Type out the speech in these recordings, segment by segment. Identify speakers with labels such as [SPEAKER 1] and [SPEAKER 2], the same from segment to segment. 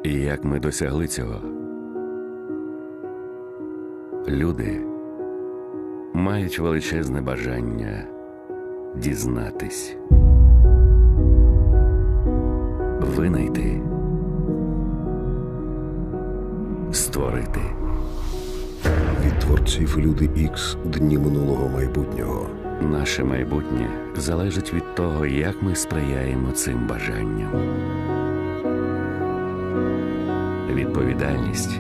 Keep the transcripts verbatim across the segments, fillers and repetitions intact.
[SPEAKER 1] І як ми досягли цього? Люди мають величезне бажання дізнатись, винайти, створити.
[SPEAKER 2] Від творців Люди Ікс дні минулого майбутнього.
[SPEAKER 1] Наше майбутнє залежить від того, як ми сприяємо цим бажанням. Відповідальність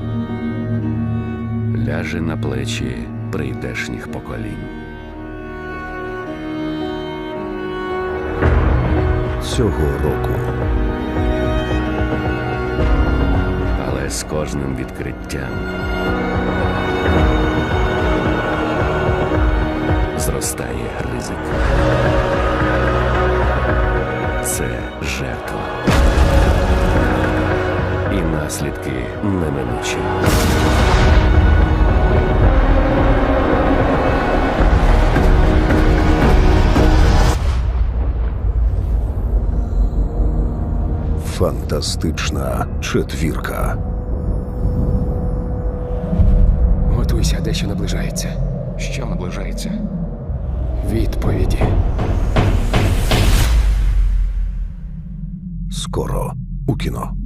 [SPEAKER 1] ляже на плечі прийдешніх поколінь.
[SPEAKER 2] Цього року
[SPEAKER 1] Але з кожним відкриттям зростає ризик. Це жертва. І наслідки неминучі.
[SPEAKER 2] фантастична четвірка.
[SPEAKER 3] Готуйся, дещо наближається.
[SPEAKER 4] Що наближається?
[SPEAKER 3] Відповіді.
[SPEAKER 2] Скоро у кіно.